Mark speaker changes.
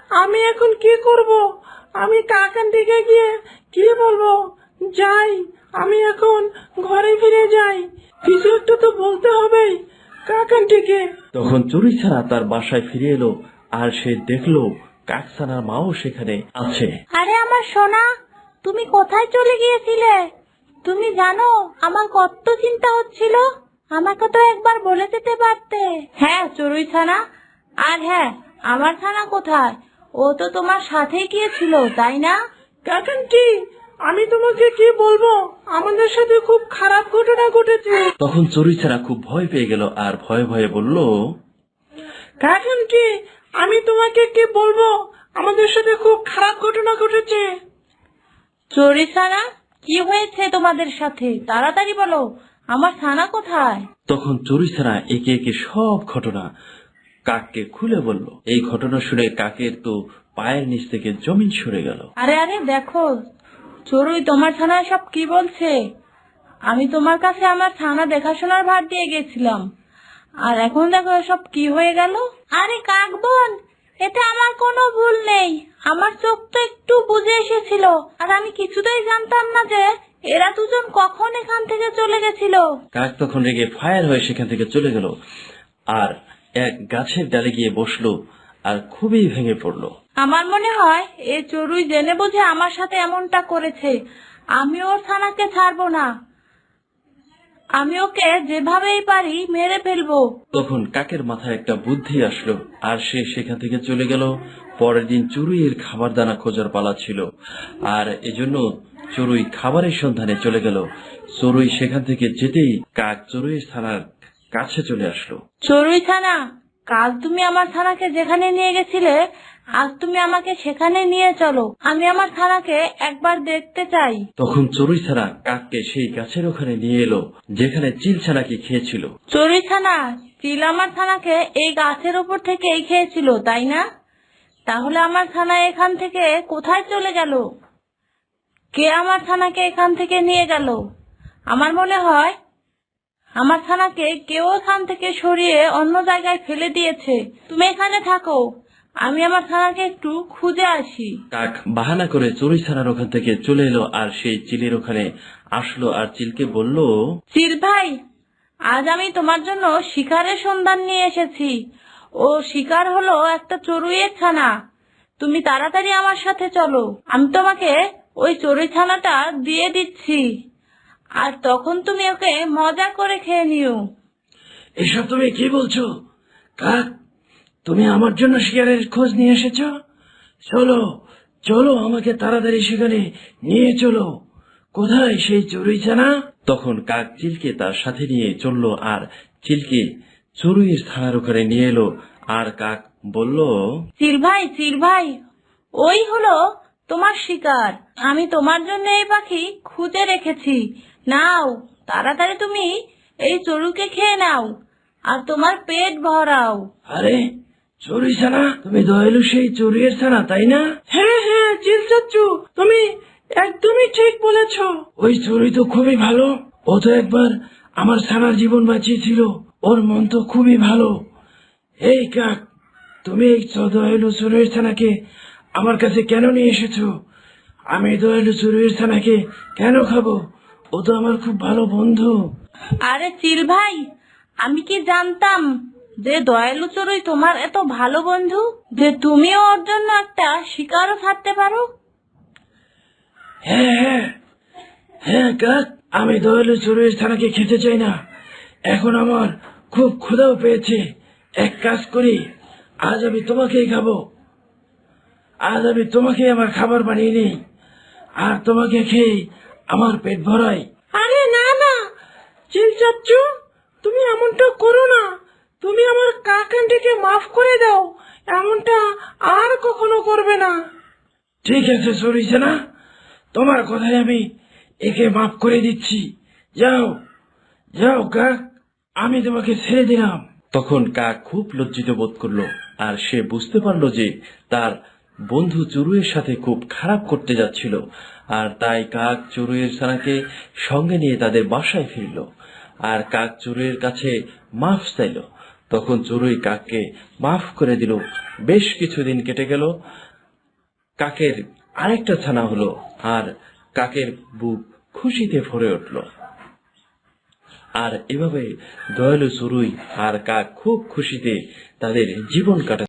Speaker 1: আমি এখন কি করব? আমি কাকান্টিকে গিয়ে কি বলবো? যাই, আমি এখন ঘরে ফিরে যাই। কিছু একটা তো বলতে হবে কাকান্টিকে।
Speaker 2: তখন চড়ুইছানা তার বাসায় ফিরে এলো, আর সে দেখলো কাকছানার মাও সেখানে আছে।
Speaker 3: আরে আমার সোনা, তুমি কোথায় চলে গিয়েছিলে? তুমি জানো আমার কত চিন্তা হচ্ছিল। আমাকে তো একবার বলে যেতে পারতে। হ্যাঁ চড়ুই ছানা। আর হ্যাঁ, আমার ছানা কোথায়? ও তো তোমার সাথেই গিয়েছিল, তাই না?
Speaker 1: কাকান্টি, আমি তোমাকে কি বলবো, আমাদের সাথে খুব খারাপ ঘটনা ঘটেছে।
Speaker 2: তখন চড়ুইছানা খুব ভয় পেয়ে গেল, আর ভয়ে ভয়ে বলল,
Speaker 1: কাকান্টি, আমি তোমাকে কি বলবো, আমাদের সাথে খুব খারাপ ঘটনা ঘটেছে।
Speaker 3: চড়ুই ছানা, কি হয়েছে তোমাদের সাথে? তাড়াতাড়ি বলো, আমার ছানা কোথায়?
Speaker 2: তখন চড়ুইছানা একে একে সব ঘটনা কাককে খুলে বলল। এই ঘটনা শুনে কাকের তো পায়ের নিচ থেকে জমিন সরে গেল।
Speaker 3: আরে আরে দেখো চড়ুই, তোমার ছানা সব কি বলছে। আমি তোমার কাছে আমার ছানা দেখাশোনার ভার দিয়ে গেছিলাম, আর এখন দেখো সব কি হয়ে গেল। আরে কাক বোন, এতে আমার কোনো ভুল নেই। আমার চোখ তো একটু বুঝে এসেছিল, আর আমি কিছুতেই জানতাম না যে এরা দুজন কখন এখান থেকে চলে গেছিল।
Speaker 2: কাক তখন রেগে ফায়ার হয়ে সেখান থেকে চলে গেল, আর এক গাছের ডালে গিয়ে বসলো, আর খুবই ভেঙে পড়লো।
Speaker 3: আমার মনে হয় এ চড়ুই জেনে বুঝে আমার সাথে এমনটা করেছে। আমি ওর ছানাকে ছাড়বো না, আমি ওকে যেভাবেই পারি মেরে ফেলবো।
Speaker 2: তখন কাকের মাথায় একটা বুদ্ধি আসলো, আর সে সেখান থেকে চলে গেল। পরের দিন চড়ুইয়ের খাবার দানা খোঁজার পালা ছিল, আর এজন্য চড়ুই খাবারের সন্ধানে চলে গেল। চড়ুই সেখান থেকে যেতেই কাক চড়ুইয়ের থানার কাছে চলে আসলো।
Speaker 3: চড়ুই ছানা, কাল তুমি আমার ছানাকে যেখানে নিয়ে গেছিলে, আজ তুমি আমাকে সেখানে নিয়ে চলো। আমি আমার ছানাকে একবার দেখতে চাই।
Speaker 2: তখন চড়ুই ছানা কাককে সেই গাছের ওখানে নিয়ে এলো, যেখানে চিল ছানাকে খেয়েছিল।
Speaker 3: চড়ুই ছানা, চিল আমার ছানাকে এই গাছের উপর থেকেই খেয়েছিল, তাই না? তাহলে আমার ছানা এখান থেকে কোথায় চলে গেল? কে আমার ছানাকে এখান থেকে নিয়ে গেল? আমার মনে হয় আমার ছানাকে কেউ এখান থেকে সরিয়ে অন্য জায়গায় ফেলে দিয়েছে। তুমি এখানে থাকো, আমি আমার ছানাকে একটু খুঁজে আসি।
Speaker 2: কাক বাহানা করে চড়ুই ছানার ওখান থেকে চলে এলো, আর সেই চিলের ওখানে আসলো, আর চিলকে বলল,
Speaker 3: চিল ভাই, আজ আমি তোমার জন্য শিকারের সন্ধান নিয়ে এসেছি। ও শিকার হলো একটা চড়ুইয়ের ছানা। তুমি তাড়াতাড়ি আমার সাথে চলো, আমি তোমাকে ওই চড়ুই ছানাটা দিয়ে দিচ্ছি, আর তখন তুমি ওকে মজা করে খেয়ে নিও।
Speaker 1: এসব তুমি কি বলছো কাক? তুমি আমার জন্য শিকারের খোঁজ নিয়ে এসেছো? চলো চলো, আমাকে তাড়াতাড়ি সেখানে নিয়ে চলো। কোথায় সেই চড়ুই ছানা?
Speaker 2: তখন কাক চিলকে তার সাথে নিয়ে চললো, আর চিলকে চড়ুইয়ের থানার ওখানে নিয়ে এলো। আর কাক বলল,
Speaker 3: চিল ভাই, ওই হলো তোমার শিকার। আমি তোমার জন্য এই পাখি খুঁজে রেখেছি। নাও, তাড়াতাড়ি তুমি এই চড়ুইকে খেয়ে নাও, আর তোমার পেট ভরাও।
Speaker 1: আরে চড়ুই ছানা, তুমি দয়ালু সেই চড়ুইয়ের ছানা, তাই না? হ্যাঁ হ্যাঁ চিল চাচ্চু, তুমি একদমই ঠিক বলেছ। ওই চড়ুই তো খুবই ভালো। ও তো একবার আমার ছানার জীবন বাঁচিয়েছিল। ওর মন তো খুবই ভালো। এই কাক, তুমি এই দয়ালু চড়ুইয়ের ছানাকে আমার কাছে কেন নিয়ে এসেছো? আমি দয়ালু চড়ুইয়ের ছানাকে কেন খাবো? ও তো আমার খুব ভালো বন্ধু।
Speaker 3: আরে চিল ভাই, আমি কি জানতাম যে দয়ালু চড়ুই তোমার এত ভালো বন্ধু, যে তুমিও ওর জন্য একটা শিকারও ছাড়তে পারো।
Speaker 1: হ্যাঁ হ্যাঁ হ্যাঁ কাক, আমি দয়ালু চড়ুইয়ের ছানাকে খেতে চাই না। এখন আমার খুব ক্ষুধাও পেয়েছে। এক কাজ করি, আজ আমি তোমাকেই খাবো। আজ আমি তোমাকে আমার খাবার বানিয়ে নিই, আর তোমাকে খেয়ে আমার পেট ভরাই। আরে না না চিল চাচ্চু, তুমি এমনটা করো না। তুমি আমার কাক আন্টিকে মাফ করে দাও। এমনটা আর কখনো করবে না। ঠিক আছে চড়ুই ছানা, তোমার কথায় আমি একে মাফ করে দিচ্ছি। যাও যাও কাক, আমি তোমাকে ছেড়ে দিলাম।
Speaker 2: তখন কাক খুব লজ্জিত বোধ করলো, আর সে বুঝতে পারলো যে তার বন্ধু চড়ুইয়ের সাথে খুব খারাপ করতে যাচ্ছিল। আর তাই কাক চড়ুইয়ের ছানাকে সঙ্গে নিয়ে তাদের বাসায় ফিরল, আর কাক চড়ুইয়ের কাছে মাফ চাইল। তখন চড়ুই কাককে মাফ করে দিল। বেশ কিছুদিন কেটে গেল, কাকের আরেকটা ছানা হলো, আর কাকের বুক খুশিতে ভরে উঠল। আর এভাবে দয়ালু চড়ুই আর কাক খুব খুশিতে তাদের জীবন কাটাচ্ছে।